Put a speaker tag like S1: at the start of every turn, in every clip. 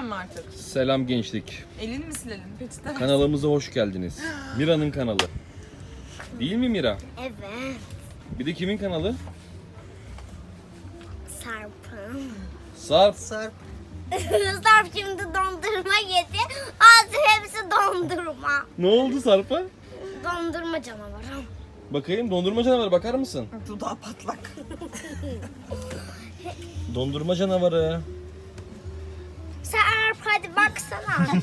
S1: Silmeyeceğim mi artık?
S2: Selam gençlik.
S1: Elini mi silelim? Peçete.
S2: Kanalımıza hoş geldiniz. Mira'nın kanalı. Değil mi Mira?
S3: Evet.
S2: Bir de kimin kanalı?
S3: Sarp'ın.
S2: Sarp.
S1: Sarp.
S3: Sarp şimdi dondurma yedi. Ağzı hepsi dondurma.
S2: Ne oldu Sarp'a?
S3: Dondurma canavarı.
S2: Bakayım dondurma canavarı bakar mısın?
S1: Dudağı patlak.
S2: Dondurma canavarı.
S3: Sarp hadi baksana.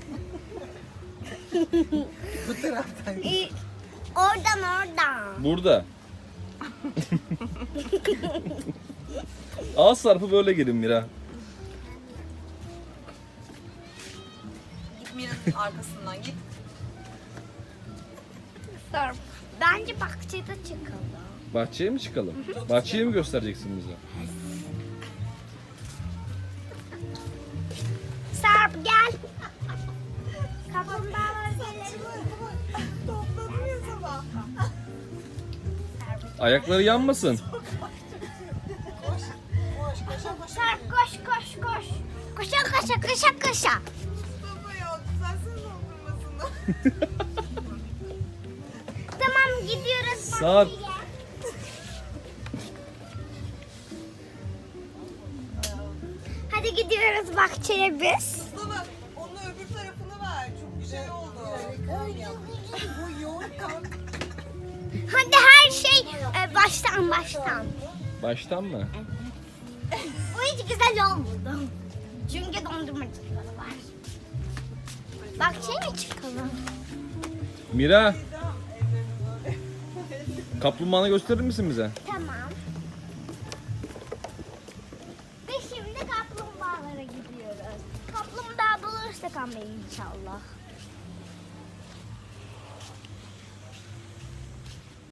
S1: Bu taraftan.
S3: Oradan.
S2: Burada. Al Sarp'ı böyle gelin Mira.
S1: Git Mira'nın arkasından git.
S3: Sarp. Bence bahçede çıkalım.
S2: Bahçeye mi çıkalım? Bahçeyi mi göstereceksin bize?
S3: Sarp gel. Kaplumbağalar gelelim.
S1: Topladım ya sabah.
S2: Ayakları yanmasın.
S3: Sarp koş koş koş. Koşa koşa koşa koşa.
S1: Mustafa ya düzelsene dondurmasını.
S3: Tamam gidiyoruz
S2: Sarp.
S3: bahçeye. Hadi gidiyoruz bahçeye biz.
S1: Mustafa onun öbür tarafını ver. Çok güzel oldu. Bu yoğun kan.
S3: Hadi her şey baştan.
S2: Baştan mı?
S3: Bu hiç güzel olmadı. Çünkü dondurmacıları var. Bahçeye mi çıkalım?
S2: Mira. Kaplumbağanı gösterir misin bize?
S3: Tamam. Ve şimdi kaplumbağalara gidiyoruz. Kaplumbağa bulursak ama inşallah.